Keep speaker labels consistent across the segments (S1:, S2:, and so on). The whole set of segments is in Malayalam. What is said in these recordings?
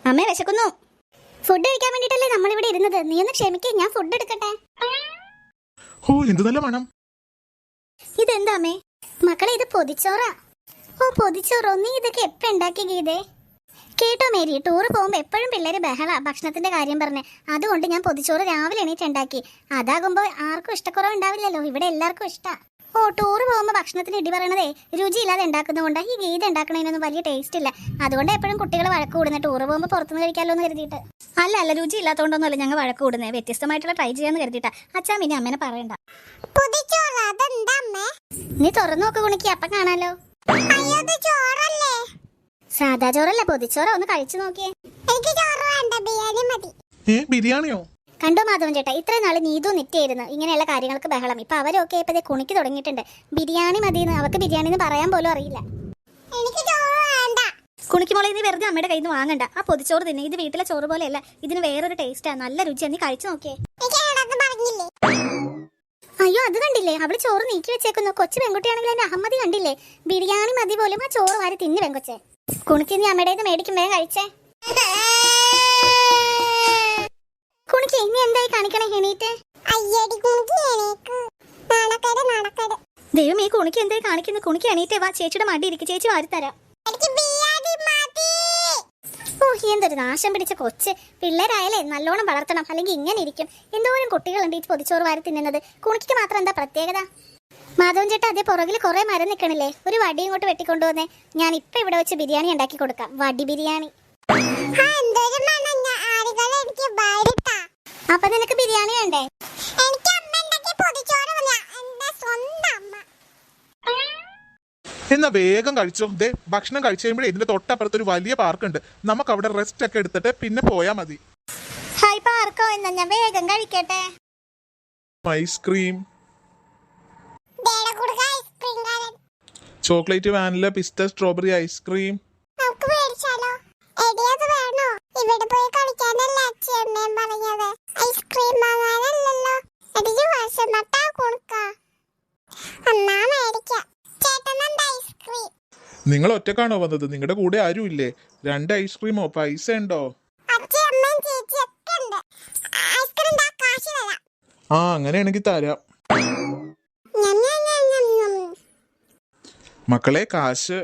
S1: അമ്മേ വിശക്കുന്നു. ഫുഡ് കഴിക്കാൻ വേണ്ടിട്ടല്ലേ നമ്മളിവിടെ ഇരുന്നത്. നീ ഒന്ന് ക്ഷമിക്കേ, ഞാൻ ഫുഡ് എടുക്കട്ടെ.
S2: ഓ എന്ത് നല്ല മണം.
S1: ഇതെന്താ അമ്മേ? മക്കളെ ഇത് പൊതിച്ചോറാ. ഓ പൊതിച്ചോറോ? നീ ഇതൊക്കെ എപ്പ ഉണ്ടാക്കി ഗീതേ? കേട്ടോ മേരി, ടൂറ് പോകുമ്പോ എപ്പോഴും പിള്ളേര് ബഹള ഭക്ഷണത്തിന്റെ കാര്യം പറഞ്ഞേ. അതുകൊണ്ട് ഞാൻ പൊതിച്ചോറ് രാവിലെ എണീറ്റ് ഉണ്ടാക്കി. അതാകുമ്പോ ആർക്കും ഇഷ്ടക്കുറവ് ഉണ്ടാവില്ലല്ലോ. ഇവിടെ എല്ലാവർക്കും ഇഷ്ടാ. ഓ ടൂറ് പോകുമ്പോ ഭക്ഷണത്തിന് ഇടി പറയണതേ രുചിയില്ലാതെ ഉണ്ടാക്കുന്നതുകൊണ്ട് ഈ ഗീത ഉണ്ടാക്കണതിനൊന്നും വലിയ ടേസ്റ്റ് ഇല്ല. അതുകൊണ്ട് എപ്പോഴും കുട്ടികൾ വഴക്ക് കൂടുന്നത് ടൂറ് പോകുമ്പോൾ പുറത്തുനിന്ന് കഴിക്കാമല്ലോ എന്ന് കരുതിയിട്ട്. അല്ല രുചി ഇല്ലാത്തതുകൊണ്ടൊന്നുമല്ല ഞങ്ങൾ വഴക്ക് കൂടുന്നത്. വ്യത്യസ്തമായിട്ടുള്ള ട്രൈ ചെയ്യാന്ന് കരുതിയിട്ടാ. അച്ഛാ പിന്നെ അമ്മേനെ പറയണ്ട. നീ തുറന്നു നോക്ക് കുണിക്ക്, അപ്പം കാണാലോ. സാധാ ചോറല്ല, പൊതിച്ചോറ. ഒന്ന് കഴിച്ചു നോക്കിയേ.
S2: ബിരിയാണിയോ?
S1: കണ്ടോ മാധവൻ ചേട്ടാ, ഇത്രയും നാള് നീതു നിറ്റായിരുന്നു ഇങ്ങനെയുള്ള കാര്യങ്ങൾക്ക് ബഹളം. ഇപ്പൊ അവരൊക്കെ ഇപ്പൊ കുണിക്ക് തുടങ്ങിയിട്ടുണ്ട്. ബിരിയാണി മതിയെന്ന്. അവർക്ക് ബിരിയാണി എന്ന് പറയാൻ പോലും അറിയില്ല. കുണിക്കുമോളെ നീ വെറുതെ അമ്മയുടെ കയ്യിൽ നിന്ന് വാങ്ങണ്ട. ആ പൊതിച്ചോറ് തിന്നെ. ഇത് വീട്ടിലെ ചോറ് പോലെയല്ല, ഇതിന് വേറൊരു ടേസ്റ്റാ. നല്ല രുചിയാ. നീ കഴിച്ചു നോക്കിയേ. അയ്യോ അത് കണ്ടില്ലേ, അവള് ചോറ് നീക്കി വെച്ചേക്കുന്നു. കൊച്ചു പെൺകുട്ടിയാണെങ്കിൽ എന്റെ അഹമ്മതി കണ്ടില്ലേ? ബിരിയാണി മതി പോലും ആ ചോറ് വാരി തിന്നു പെങ്കൊച്ചെ. കുണിക്ക് നീ അമ്മയുടെ മേടിക്കും, വേഗം കഴിച്ചേ. കുണിക്ക് നീ എന്തായി കാണിക്കണേ? എണീറ്റ്. ദൈവം ഈ കുണിക്ക് എന്തായി കാണിക്കുന്നു? കുണിക്ക് എണീറ്റേ വാ, ചേച്ചിയുടെ മടി ഇരിക്കും, ചേച്ചി വാരിത്തരാം. ഓ എന്തൊരു നാശം പിടിച്ച കൊച്ച്. പിള്ളേരായാലേ നല്ലോണം വളർത്തണം, അല്ലെങ്കിൽ ഇങ്ങനെ ഇരിക്കും. എന്തോരം കുട്ടികളുണ്ട് ഈ പൊതിച്ചോറ് വാരി തിന്നുന്നത്. കുണിക്ക് മാത്രം എന്താ പ്രത്യേകത? മാധവൻ ചേട്ടാ, അതേ പുറകിൽ കുറെ മരം നിൽക്കണില്ലേ? ഒരു വടി ഇങ്ങോട്ട് വെട്ടിക്കൊണ്ടുവന്നേ. ഞാൻ ഇപ്പൊ ഇവിടെ വെച്ച് ബിരിയാണി ഉണ്ടാക്കി കൊടുക്കാം. വടി ബിരിയാണി. അപ്പൊ നിനക്ക് ബിരിയാണി വേണ്ടേ?
S2: എന്നാ വേഗം കഴിച്ചോ. ദേ ഭക്ഷണം കഴിച്ചു കഴിയുമ്പോഴേ ഇതിന്റെ തൊട്ടപ്പുറത്ത് ഒരു വലിയ പാർക്ക് ഉണ്ട്. നമുക്ക് അവിടെ റെസ്റ്റ് ഒക്കെ എടുത്തിട്ട് പിന്നെ പോയാ മതി.
S1: ഹായ് പാർക്കോ, എന്നാ ഞാൻ വേഗം കഴിക്കട്ടെ.
S2: ഐസ്ക്രീം, ചോക്ലേറ്റ്, വാനില, പിസ്ത, സ്ട്രോബെറി ഐസ്ക്രീം. നിങ്ങൾ ഒറ്റക്കാണോ വന്നത്? നിങ്ങളുടെ കൂടെ ആരും ഇല്ലേ? 2 ഐസ്ക്രീമോ? പൈസ ഉണ്ടോ? ആ അങ്ങനെയാണെങ്കിൽ തരാം. മക്കളെ കാശ്.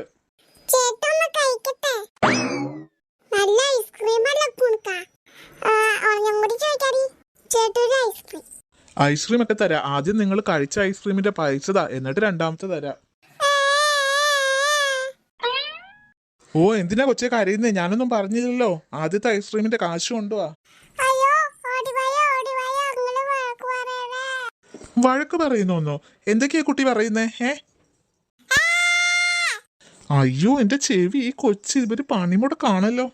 S2: ഐസ്ക്രീം ഒക്കെ തരാം. ആദ്യം നിങ്ങൾ കഴിച്ച ഐസ്ക്രീമിന്റെ പൈസ താ, എന്നിട്ട് രണ്ടാമത്തെ തരാം. ഓ എന്തിനാ കൊച്ചെ കരയുന്നേ? ഞാനൊന്നും പറഞ്ഞില്ലല്ലോ. ആദ്യത്തെ ഐസ്ക്രീമിന്റെ കാശ് കൊണ്ടുവാ. വഴക്ക് പറയുന്നോന്നോ? എന്തൊക്കെയാ കുട്ടി പറയുന്നേ? അയ്യോ എന്റെ ചെവി. ഈ കൊച്ചി ഇവര് പണിമുടക്കാണല്ലോ.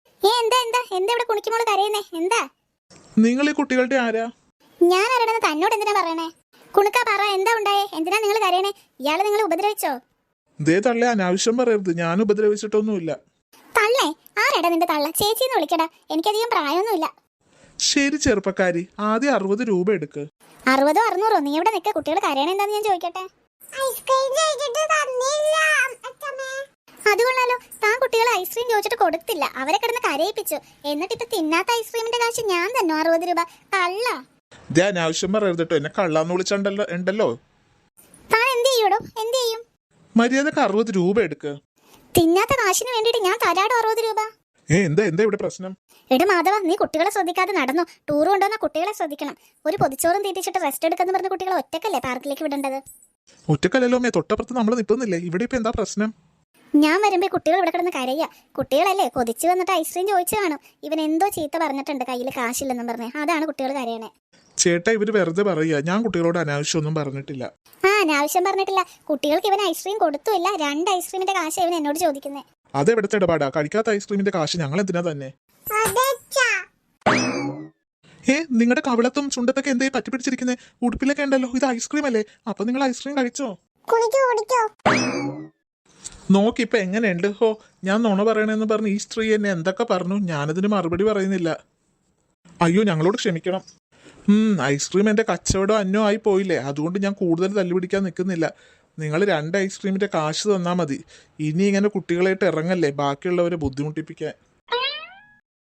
S2: നിങ്ങൾ ഈ കുട്ടികളുടെ ആരാ?
S1: ഞാൻ ആരാണെന്ന് തന്നോട് എന്തിനാ പറയണേ? കുണുക്ക പറ, എന്താ ഉണ്ടായേ? എന്തിനാ നിങ്ങൾ കരയണേ? ഇയാള് നിങ്ങൾ ഉപദ്രവിച്ചോ?
S2: ദേ തള്ളേ, അനാവശ്യം പറയരുത്. ഞാൻ ഉപദ്രവിച്ചിട്ടൊന്നുമില്ല.
S1: തള്ളേ? ആരാടാ നിന്റെ തള്ള? ചേച്ചിന്ന് വിളിക്കടാ. എനിക്കധികം പ്രായമൊന്നുമില്ല.
S2: ശരി ചെറുപ്പക്കാരി, ആദ്യം 60 രൂപ എടുക്ക്.
S1: 60 600? നീ ഇവിടെ നിൽക്ക. കുട്ടികൾ കരയണ എന്താന്ന് ഞാൻ ചോദിക്കട്ടെ. അതുകൊള്ളാലോ, താൻ കുട്ടികൾ ഐസ്ക്രീം ചോദിച്ചിട്ട് കൊടുത്തില്ല. അവരെ കിടന്ന് കരയിപ്പിച്ചു. എന്നിട്ട് ഇപ്പൊ തിന്നാത്ത ഐസ്ക്രീമിന്റെ കാശ് ഞാൻ തന്നു. 60 രൂപ. കള്ള.
S2: ദേ അനാവശ്യം പറയരുത് കേട്ടോ. എന്നെ കള്ളാന്ന് വിളിച്ചുണ്ടല്ലോ.
S1: താൻ എന്ത് ചെയ്യൂടോ? എന്ത് ചെയ്യും?
S2: മര്യാദക്ക് 60 രൂപ എടുക്ക്.
S1: തിന്നാത്ത കാശിന് വേണ്ടിട്ട് ഞാൻ തരാടോ 60 രൂപ.
S2: എന്താ ഇവിടെ പ്രശ്നം?
S1: എടാ മാധവ, നീ കുട്ടികളെ ശ്രദ്ധിക്കാതെ നടന്നു. ടൂർ കൊണ്ടുവന്ന കുട്ടികളെ ശ്രദ്ധിക്കണം. ഒരു പൊതിച്ചോറും തീറ്റിച്ചിട്ട് റെസ്റ്റ് എടുക്കാന്ന് പറഞ്ഞ കുട്ടികളെ ഒറ്റക്കല്ലേ പാർക്കിലേക്ക് വിടേണ്ടത്?
S2: ഒറ്റക്കല്ലല്ലോ മേ, തൊട്ടപ്പുറത്ത് നമ്മൾ നിൽക്കുന്നില്ലേ. ഇവിടെ ഇപ്പൊ എന്താ പ്രശ്നം?
S1: ഞാൻ വരുമ്പോ കുട്ടികൾ ഇവിടെ കിടന്ന് കരയ്യ. കുട്ടികളല്ലേ കൊതിച്ചു വന്നിട്ട് ഐസ്ക്രീം ചോദിച്ചു കാണും. ഇവൻ എന്തോ ചീത്ത പറഞ്ഞിട്ടുണ്ട്, കയ്യിൽ കാശില്ലെന്നും പറഞ്ഞേ. അതാണ് കുട്ടികൾ കരയണേ.
S2: ചേട്ടാ ഇവര് വെറുതെ പറയാ. ഞാൻ കുട്ടികളോട് അനാവശ്യം ഒന്നും പറഞ്ഞിട്ടില്ല.
S1: അനാവശ്യം പറഞ്ഞിട്ടില്ല. കുട്ടികൾക്ക് ഇവൻ ഐസ്ക്രീം കൊടുത്തുമില്ല. 2 ഐസ്ക്രീമിന്റെ കാശ് ഇവൻ എന്നോട് ചോദിക്കുന്നേ.
S2: അതെവിടുത്തെ ഇടപാടാ? കഴിക്കാത്ത ഐസ്ക്രീമിന്റെ കാശ് ഞങ്ങൾ എന്തിനാ തന്നെ? നിങ്ങളുടെ കവിളത്തും ചുണ്ടത്തൊക്കെ എന്തേ പറ്റിപ്പിടിച്ചിരിക്കുന്നേ? ഉടുപ്പിലൊക്കെ ഉണ്ടല്ലോ. ഇത് ഐസ്ക്രീം അല്ലേ? അപ്പൊ നിങ്ങൾ ഐസ്ക്രീം കഴിച്ചോ? നോക്കിപ്പൊ എങ്ങനെയുണ്ട്? ഹോ, ഞാൻ നുണ പറയണെന്ന് പറഞ്ഞ് ഈ സ്ത്രീ എന്നെ എന്തൊക്കെ പറഞ്ഞു. ഞാനതിന് മറുപടി പറയുന്നില്ല. അയ്യോ ഞങ്ങളോട് ക്ഷമിക്കണം. ഐസ്ക്രീം എന്റെ കച്ചവടം അന്നോ ആയി പോയില്ലേ. അതുകൊണ്ട് ഞാൻ കൂടുതൽ തല്ലുപിടിക്കാൻ നിൽക്കുന്നില്ല. നിങ്ങൾ 2 ഐസ്ക്രീമിന്റെ കാശ് തന്നാ മതി. ഇനി ഇങ്ങനെ കുട്ടികളായിട്ട് ഇറങ്ങല്ലേ ബാക്കിയുള്ളവരെ ബുദ്ധിമുട്ടിപ്പിക്കാൻ.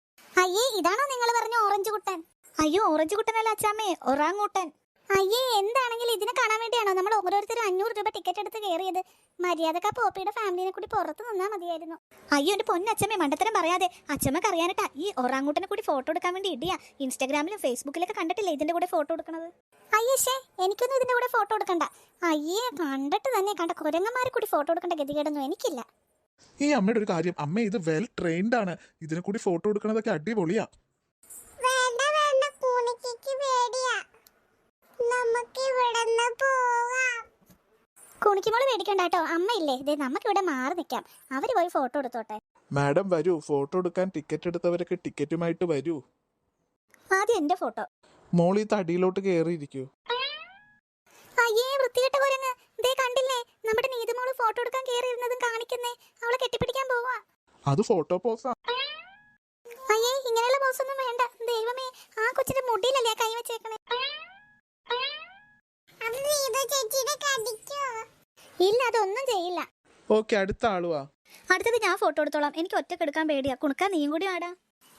S1: അയ്യേ ഇതാണോ നിങ്ങൾ പറഞ്ഞ ഓറഞ്ച് കുട്ടൻ? അയ്യോ ഓറഞ്ച് കുട്ടനല്ല അച്ചാമ്മേ, ഒറാങ്ങൂട്ടൻ. അയ്യേ എന്താണെങ്കിലും ഇതിനെ കാണാൻ വേണ്ടിയാണോ നമ്മൾ ഓരോരുത്തരും 500 രൂപ ടിക്കറ്റ് എടുത്ത് കയറിയത്? മര്യാദക്കാ പോപ്പിയുടെ ഫാമിലിനെ കൂടി പുറത്ത് നിന്നാ മതിയായിരുന്നു. അയ്യോ എന്റെ പൊന്നച്ചമ്മേ, മണ്ടത്തരം പറയാതെ. അച്ചമ്മക്ക് അറിയാനിട്ടാ ഈ ഒറാങ്ങൂട്ടനെ കൂടി ഫോട്ടോ എടുക്കാൻ വേണ്ടി ഇടിയാ. ഇൻസ്റ്റാഗ്രാമിലും ഫേസ്ബുക്കിലൊക്കെ കണ്ടിട്ടില്ലേ ഇതിന്റെ കൂടെ ഫോട്ടോ എടുക്കണത്? അയ്യേ എനിക്കൊന്നും ഇതിന്റെ കൂടെ ഫോട്ടോ എടുക്കണ്ട. അയ്യേ കണ്ടിട്ട് തന്നെ കണ്ട കുരങ്ങന്മാരെ കൂടി ഫോട്ടോ എടുക്കേണ്ട ഗതികേടൊന്നും എനിക്കില്ല.
S2: ഈ അമ്മയുടെ ഒരു കാര്യം, അമ്മ ഇത് വെൽ ട്രെയിൻഡ് ആണ്. ഇതിനെ കൂടി ഫോട്ടോ എടുക്കണതൊക്കെ അടിപൊളിയാ. കുണിക്കുമോള് പേടിക്കണ്ട കേട്ടോ, അമ്മയില്ലേ ഇതേ നമുക്ക് ഇവിടെ മാറി നിൽക്കാം. അവര് പോയി ഫോട്ടോ എടുത്തോട്ടെ. മാഡം വരൂ, ഫോട്ടോ എടുക്കാൻ ടിക്കറ്റ് എടുത്തവരൊക്കെ ടിക്കറ്റുമായിട്ട് വരൂ.
S1: ആദ്യം എന്റെ ഫോട്ടോ.
S2: മോളി തടിയിലോട്ട് കയറിയിരിക്കൂ.
S1: അയ്യേ വൃത്തികെട്ട കുരങ്ങ്, ദേ കണ്ടില്ലേ നമ്മുടെ നീതുമോള് ഫോട്ടോ എടുക്കാൻ കയറിയിരുന്നതും കാണിക്കുന്നേ. അവളെ കെട്ടിപ്പിടിക്കാൻ പോവാ.
S2: അത് ഫോട്ടോ പോസാ.
S1: അയ്യേ ഇങ്ങനെയുള്ള ബോസൊന്നും വേണ്ട. ദൈവമേ ആ കൊച്ചിന്റെ മുടിയിലല്ലേ കൈ വെച്ചേക്കണേ. ഇല്ല അതൊന്നും ചെയ്യില്ല.
S2: ഓക്കെ, അടുത്ത ആളുവാ.
S1: അടുത്തത് ഞാൻ ഫോട്ടോ എടുത്തോളാം. എനിക്ക് ഒറ്റക്ക് എടുക്കാൻ പേടിയാ. കുണുക്കാൻ നീയും കൂടി ആടാ.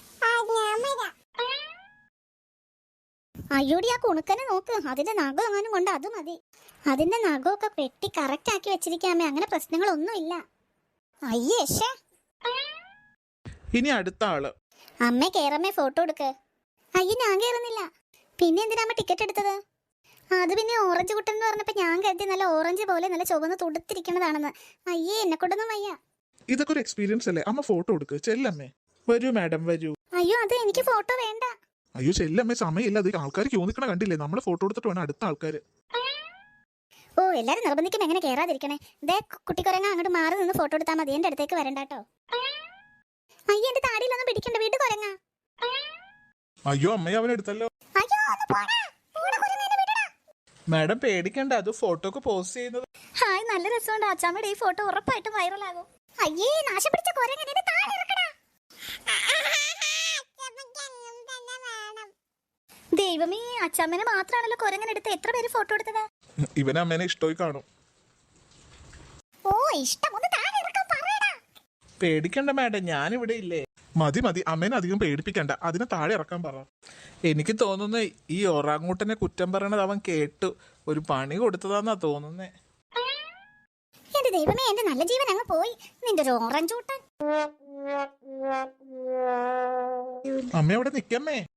S1: അയ്യോടി ആ കുണുക്കനെ നോക്ക്, അതിന്റെ നഖം എങ്ങാനും കൊണ്ട് അത് മതി. അതിന്റെ നഖമൊക്കെ പെട്ടി കറക്റ്റ് ആക്കി വെച്ചിരിക്കാമേ, അങ്ങനെ പ്രശ്നങ്ങളൊന്നുമില്ല. അയ്യേ ശ്ശേ.
S2: ഇനി അടുത്ത ആള്.
S1: അമ്മ കേറമ്മേ ഫോട്ടോ എടുക്ക്. അയ്യ ഞാൻ കേറുന്നില്ല. പിന്നെ എന്തിനാ അമ്മ ടിക്കറ്റ് എടുത്തത്? അത് പിന്നെ ഓറഞ്ച് കുട്ടൻ എന്ന് പറഞ്ഞപ്പോ ഞാൻ കരുതി നല്ല ഓറഞ്ച് പോലെ നല്ല ചുവന്ന് തുടുത്തിരിക്കുന്നതാണെന്ന്. അയ്യേ എന്നെ കൊണ്ടൊന്നും വയ്യ.
S2: ഇതൊക്കെ ഒരു എക്സ്പീരിയൻസ് അല്ലേ, അമ്മ ഫോട്ടോ എടുക്ക്. ചെല്ലമ്മേ വരൂ, മാഡം വരൂ.
S1: അയ്യോ അത് എനിക്ക് ഫോട്ടോ വേണ്ട.
S2: അയ്യോ ചെല്ലമ്മേ, സമയമില്ല. അത് ആൾക്കാർ ക്യൂ നിൽക്കണ കണ്ടില്ലേ? നമ്മള് ഫോട്ടോ എടുത്തിട്ട് വേണം അടുത്ത ആൾക്കാര്.
S1: ഓ എല്ലാരും നിർബന്ധിക്കും എങ്ങനെ കേറാതിരിക്കണേ. ദേ കുട്ടിക്കുരങ്ങ അങ്ങോട്ട് മാറി നിന്ന് ഫോട്ടോ എടുത്താൽ മതി, എന്റെ അടുത്തേക്ക് വരണ്ടാട്ടോ. അയ്യോ എന്റെ താടിയിലൊന്നും പിടിക്കണ്ട, വീട് കുരങ്ങ.
S2: അയ്യോ അമ്മയെ അവനെടുത്തല്ലോ.
S1: അയ്യോ ഒന്ന് പോടാ. പോടാ കുരങ്ങ, എന്നെ വിടടാ.
S2: മാഡം പേടിക്കണ്ട, അത് ഫോട്ടോക്ക് പോസ്റ്റ് ചെയ്യുന്നത്.
S1: ഹായ് നല്ല രസമുണ്ട്. അച്ചാമ്മയുടെ ഈ ഫോട്ടോ ഉറപ്പായിട്ടും വൈറലാകും. അയ്യേ നാശം പിടിച്ച കുരങ്ങൻ, എന്നെ താഴെ ഇറക്കടാ. ദൈവമേ അച്ചാമ്മനെ മാത്രാണല്ലോ കുരങ്ങൻ എടുത്ത്. എത്ര പേര് ഫോട്ടോ എടുത്തതാ?
S2: ഇവന് അമ്മേനെ ഇഷ്ടമായി കാണും.
S1: ഓ ഇഷ്ടം, ഒന്ന് താഴെ ഇറക്കാൻ പറയടാ.
S2: പേടിക്കണ്ട മാഡം, ഞാനിവിടെ ഇല്ലേ. മതി മതി, അമ്മേനെ അധികം പേടിപ്പിക്കണ്ട. അതിനെ താഴെ ഇറക്കാൻ പറ. എനിക്ക് തോന്നുന്നു ഈ ഒറാങ്ങൂട്ടനെ കുറ്റം പറയണത് അവൻ കേട്ടു. ഒരു പണി കൊടുത്തതാന്നാ തോന്നുന്നേ.
S1: എന്റെ ദൈവമേ എന്റെ നല്ല ജീവൻ അങ്ങ് പോയി. നിന്റെ ഒരു ഓറഞ്ച് കൂട്ടൻ.
S2: അമ്മ അവിടെ നിക്കമ്മേ.